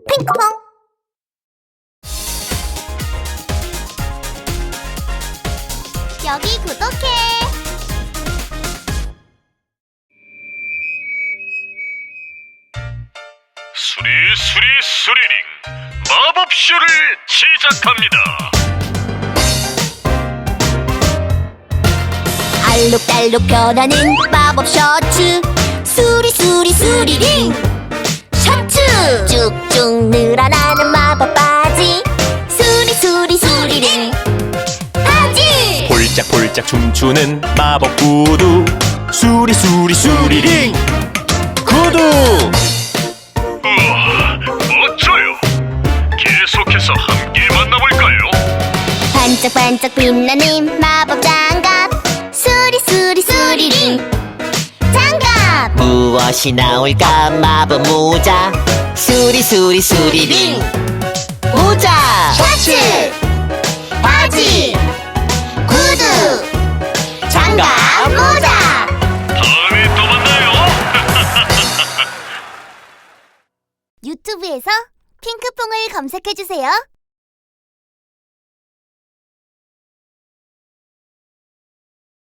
핑크퐁. 여기 구독해. 수리 수리링 마법쇼를 시작합니다. 알록달록 변하는 마법 셔츠. 수리링 셔츠. 쭉쭉 늘어나는 마법 바지. 수리링 바지. 폴짝폴짝 춤추는 마법 구두. 수리링 구두. 우와, 멋져요. 계속해서 함께 만나볼까요? 반짝반짝 빛나는 마법 장갑. 수리링 장갑. 무엇이 나올까 마법 모자. 수리링 모자. 셔츠 바지 구두 장갑 모자. 다음에 또 만나요. 유튜브에서 핑크퐁을 검색해주세요.